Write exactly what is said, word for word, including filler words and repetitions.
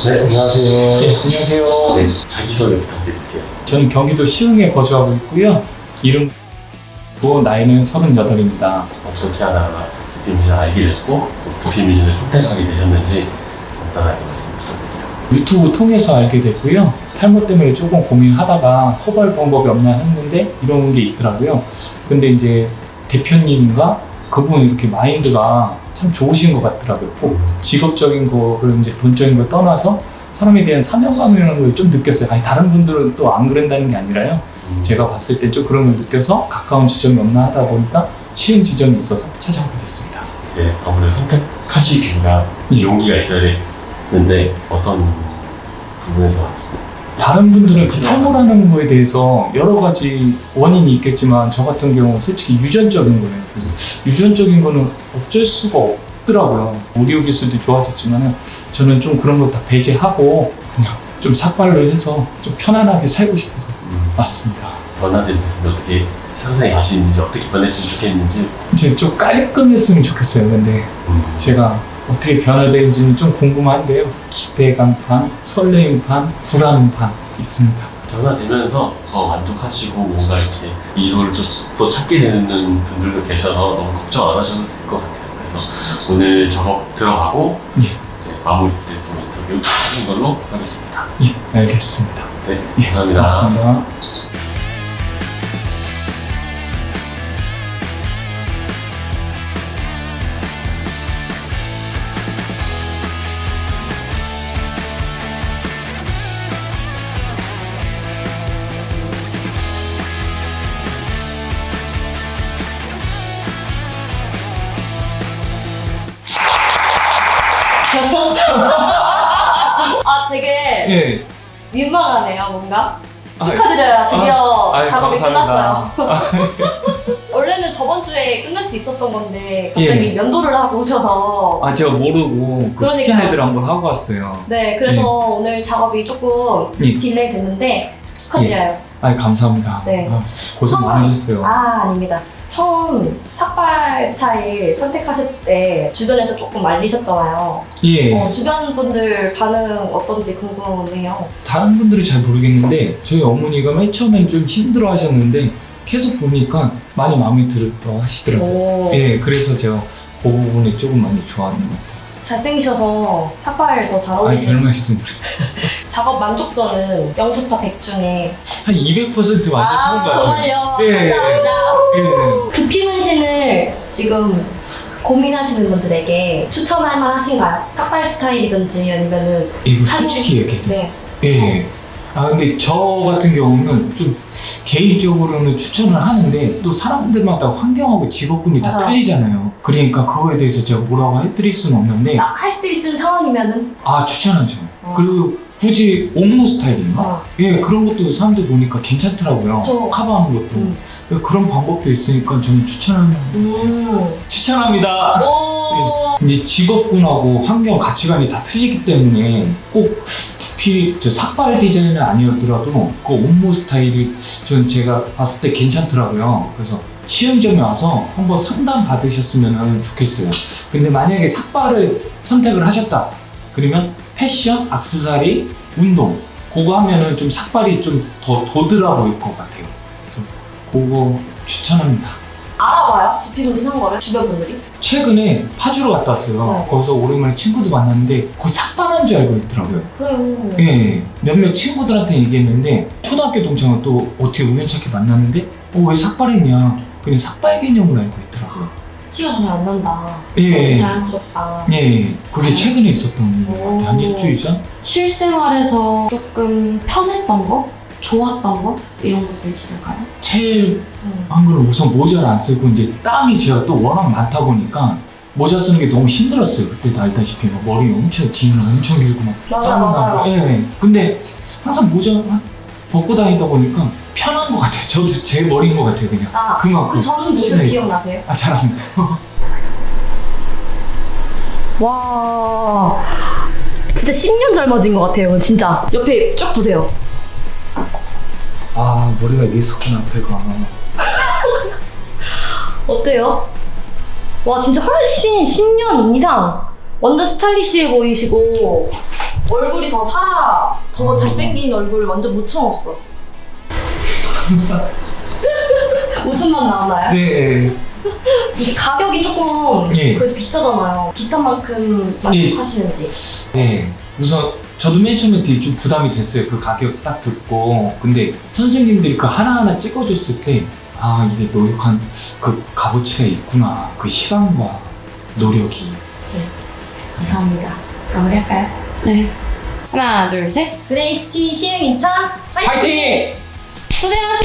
네, 안녕하세요. 네, 안녕하세요. 네, 자기소개 부탁드릴게요. 저는 경기도 시흥에 거주하고 있고요. 이름고 나이는 서른여덟입니다. 어떻게 하다가 부피미진을 알게 됐고 부피미진을 선택하게 되셨는지 간단하게 말씀 부탁드려요. 유튜브 통해서 알게 됐고요. 탈모 때문에 조금 고민하다가 커버할 방법이 없나 했는데 이런 게 있더라고요. 근데 이제 대표님과 그분 이렇게 마인드가 참 좋으신 것 같더라고요. 꼭 직업적인 거를 이제 돈적인 걸 떠나서 사람에 대한 사명감이라는 걸 좀 느꼈어요. 아니 다른 분들은 또 안 그런다는 게 아니라요. 음. 제가 봤을 때 좀 그런 걸 느껴서 가까운 지점이 없나 하다 보니까 시흥 지점이 있어서 찾아오게 됐습니다. 네, 아무래도 선택하시기가 용기가 있어야 되는데 어떤 부분에서 다른 분들은 그 탈모라는 거에 대해서 여러 가지 원인이 있겠지만 저 같은 경우 솔직히 유전적인 거예요. 그래서 유전적인 거는 어쩔 수가 없더라고요. 의료 기술도 좋아졌지만 저는 좀 그런 거 다 배제하고 그냥 좀 삭발로 해서 좀 편안하게 살고 싶어서 음, 왔습니다. 변화된 모습을 어떻게 상상해 가시는지 어떻게 변했으면 좋겠는지 이제 좀 깔끔했으면 좋겠어요. 근데 음, 제가 어떻게 변화되는지는 좀 궁금한데요. 기대감 반, 설레임 반, 불안 반 있습니다. 변화되면서 더 만족하시고 뭔가 이렇게 미소를 또, 또 찾게 되는 분들도 계셔서 너무 걱정 안 하셔도 될 것 같아요. 그래서 오늘 작업 들어가고 예. 네, 마무리 때 또 인터뷰 하는 걸로 하겠습니다. 예, 알겠습니다. 네, 예, 감사합니다. 고맙습니다. 아 되게 예. 민망하네요 뭔가. 아, 축하드려요. 드디어 아, 아유, 작업이 감사합니다. 끝났어요. 원래는 저번 주에 끝날 수 있었던 건데 갑자기 예. 면도를 하고 오셔서 아 제가 모르고 그 그러니까요. 스킨헤드를 한번 하고 왔어요. 네 그래서 예. 오늘 작업이 조금 예. 딜레이 됐는데 축하드려요. 아 감사합니다. 네. 아, 고생 처음- 많으셨어요. 아 아닙니다. 처음 삭발 스타일 선택하실 때 주변에서 조금 말리셨잖아요. 예. 어, 주변 분들 반응 어떤지 궁금해요. 다른 분들은 잘 모르겠는데 저희 어머니가 맨 처음엔 좀 힘들어 하셨는데 계속 보니까 많이 마음에 들어 하시더라고요. 오. 예, 그래서 제가 그 부분이 조금 많이 좋아하는 것 같아요. 잘생기셔서 삭발 더 잘 아니, 별 어울리시는 말씀. 작업 만족도는 영부터 백 중에 한 이백 퍼센트 만족한 것 같아요. 정말요? 예, 감사합니다. 예. 두피 문신을 지금 고민하시는 분들에게 추천할 만하신가요? 삭발 스타일이든지 아니면은 이거 사진- 솔직히 얘기해요. 네. 예. 아 근데 저 같은 경우는 좀 개인적으로는 추천을 하는데 또 사람들마다 환경하고 직업군이 다 맞아. 틀리잖아요. 그러니까 그거에 대해서 제가 뭐라고 해드릴 수는 없는데 할 수 있는 상황이면은 아 추천하죠. 어. 그리고 굳이 옥모 스타일인가? 어. 예 그런 것도 사람들 보니까 괜찮더라고요. 저- 커버하는 것도 음. 그런 방법도 있으니까 저는 추천하는 음. 추천합니다. 오. 이제 직업군하고 환경 가치관이 다 틀리기 때문에 꼭 두피 저 삭발 디자인은 아니었더라도 그 옥모 스타일이 전 제가 봤을 때 괜찮더라고요. 그래서 시흥점에 와서 한번 상담 받으셨으면 좋겠어요. 근데 만약에 삭발을 선택을 하셨다 그러면 패션, 액세서리, 운동 그거 하면은 좀 삭발이 좀 더 도드라 보일 것 같아요. 그래서 그거 추천합니다. 알아봐요? 두피 문신 한 거를 주변 분들이? 최근에 파주로 갔다 왔어요. 네. 거기서 오랜만에 친구도 만났는데 거의 삭발한 줄 알고 있더라고요. 그래요. 예, 몇몇 친구들한테 얘기했는데 초등학교 동창은 또 어떻게 우연찮게 만났는데 어, 왜 삭발했냐 그냥 삭발 개념을 알고 있더라고요. 티가 전혀 안 난다. 예. 너무 자연스럽다. 예, 그게 최근에 있었던 것 같아요. 한 오. 일주일 전? 실생활에서 조금 편했던 거? 좋았던 거? 이런 것들 있을까요? 제일 음. 한 거는 우선 모자를 안 쓰고 이제 땀이 제가 또 워낙 많다 보니까 모자 쓰는 게 너무 힘들었어요. 그때도 알다시피 막 머리 엄청 뒤는 엄청 길고 막 맞아, 땀 맞아. 나고. 예. 근데 항상 모자 벗고 다니다 보니까 편한 것 같아요. 저도 제 머리인 것 같아요, 그냥. 아, 그만큼. 그 전 모습 신나게. 기억나세요? 아, 잘합니다. 와, 진짜 십 년 젊어진 것 같아요, 진짜. 옆에 쭉 보세요. 아, 머리가 이게 있었구나, 앞에가. 어때요? 와, 진짜 훨씬 십 년 이상 완전 스타일리시해 보이시고 얼굴이 더 살아, 더 잘생긴 얼굴을 완전 묻혀놨어. 웃음만 나오나요? 네. 이 가격이 조금 네. 그래도 비싸잖아요. 비싼 만큼 만족하시는지. 네. 우선 저도 맨 처음에 되게 좀 부담이 됐어요. 그 가격 딱 듣고. 근데 선생님들이 그 하나하나 찍어줬을 때, 아, 이게 노력한 그 값어치가 있구나. 그 시간과 노력이. 감사합니다. 마무리할까요? 네. 하나, 둘, 셋. 그레이스티 시흥 인천 화이팅! 파이팅! 고생하셨습니다.